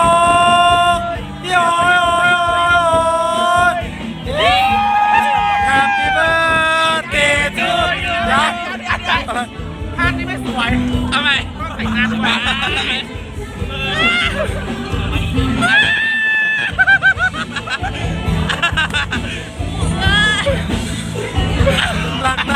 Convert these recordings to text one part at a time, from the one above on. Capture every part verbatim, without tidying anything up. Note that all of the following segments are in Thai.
โอ้ยโอ้ยโอ้ย Happy birthday to you ยังอะไรภาพนี้ไม่สวยทำไมแต่งหน้าด้วยรักนะ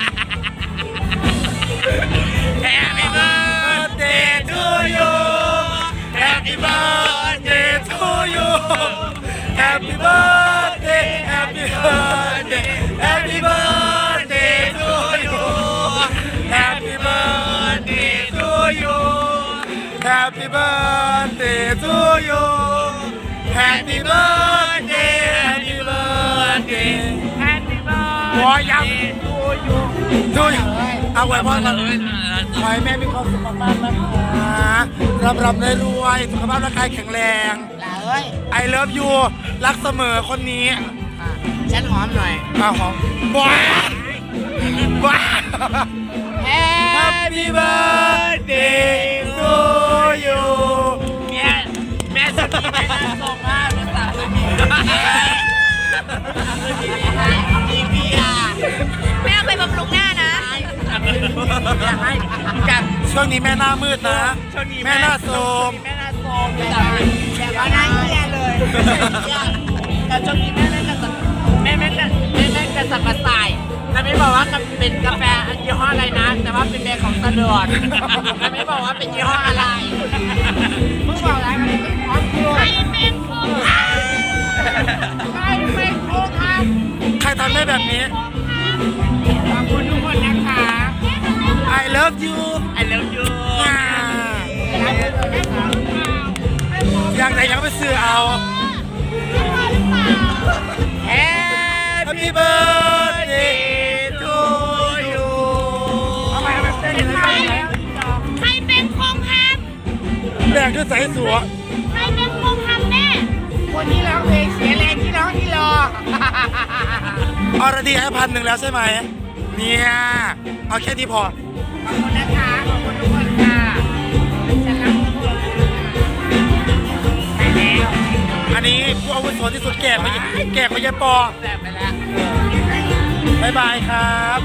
Happy birthday to you Happy birthday to you Happy birthday Happy birthday Happy birthday to you Happy birthday to you Happy birthday to you Happy birthday Happy birthday Happy หัวยัง birthday to you ดูเอาไว้พ่อกันขอให้แม่มีความสุขมากๆนะคะร่ำรำได้รวยสุขภาพร่างกายแข็งแรงลาเอ้ย I love you รักเสมอคนนี้ฉันหอมหน่อยอ้าวหอมบ้าบ้า Happy birthday to you แม่แม่ส่งมาเป็นสาวเลยมีมีเบียร์แม่เอาไปบำรุงหน้านะอยากให้กับช่วงนี้แม่หน้ามืดนะช่วงนี้แม่หน้าโทรมแม่หน้าโซมแบบว่าหน้าเหี้ยเลยแต่ช่วงนี้แม่แม่กระสับแม่แม่กระแม่แม่กระสับกระส่ายแต่ไม่บอกว่าเป็นกาแฟยี่ห้ออะไรนะ แต่ว่าเป็นแบรนด์ของตะดอนแต่ไม่บอกว่าเป็นยี่ห้ออะไรมึงบอกอะไรกันเป็นของกูใครเป็นคนทใครเป็นคนทใครทำได้แบบนี้ำขอบคุณทุกคนนะคะ I love you I love you อ่าอย่างไหนยังไปซื้อเอา Happy birthday to you ทำไมมันเต้นอย่างนี้ำใครเป็นคงทแดงด้วยสายสัวำใครเป็นคงทำแม่คนที่ร้องเพลงเสียแรงที่ร้องที่รออรดีให้พันหนึ่งแล้วใช่ไหมเนี่ยเอาแค่นี้พอขอบคุณนะคะ ขอบคุณทุกคนค่ะฉันรักทุกคนไปแล้วอันนี้ผู้อาวุโสที่สุดแก่กว่าแก่กว่ายายปอแสบไปแล้วบายบายครับ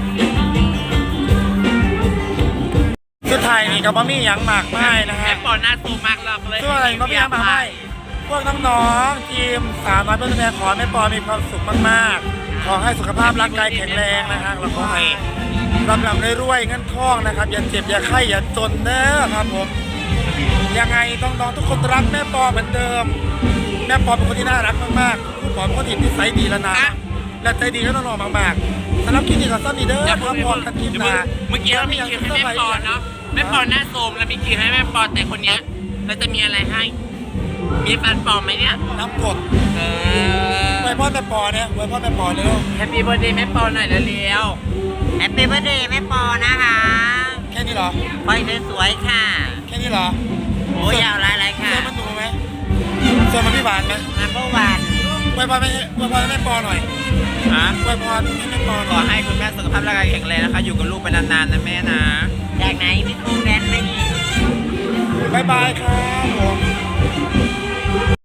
สุดท้ายนี่กับบะมี่ยังหมากไม้นะแอฮะปปอนหน้าซูมากเราเลยส่วนอะไรบะมี่ยังหมากไม้พวกน้องๆทีมสาวน้อยเพื่อนแม่ขอแม่ปอมีความสุขมากๆ ขอให้สุขภาพร่างกายแข็งแรงนะฮะแล้วก็ให้ลำลำรวยๆเงินทองนะครับอย่าเจ็บอย่าไข้อย่าจนเด้อครับผมยังไงต้องน้องๆทุกคนรักแม่ปอเหมือนเดิม แม่ปอเป็นคนที่น่ารักมากๆคุณปอเป็นคนที่นิสัยดีและนะและใจดีก็น้องๆมากๆสำหรับคลิปนี้ขอสั้นนี้เด้ออย่าคพูรัดบพอกันคลิปหน้าเมื่อกี้เรามีคิวให้แม่ปอนเนาะแม่ปอนหน้าโซมแล้วมีคิวให้แม่ปอนแต่คนเนี้ยเราจะมีอะไรให้ มีฟันปลอมไหมเนี่ยน้ำกดเออไว้พ่อแม่ปอเนี่ยไว้พ่อแม่ปอเร็วแฮปปี้เบิร์ดเดย์แม่ปอนหน่อยเร็วแฮปปี้เบิร์ดเดย์แม่ปอนะคะแค่นี้เหรอปอยสวยๆค่ะแค่นี้เหรอโอ้ยาวหลายๆค่ะเสื้อมันหนูไหมเสื้อมันพี่หวานไหมนัมเบอร์วันไว้พ่อแม่ไว้พ่อแม่ปอหน่อยๆอ่ะไว้พ่อให้แม่ปอหขน่ออยให้คุณแม่สุขภาพร่างกายแข็งแรงนะคะ อยู่กับลูกไปนานๆนะแม่นะจากไหนพี่กุ้งแดนไม่มีบายบายครับผม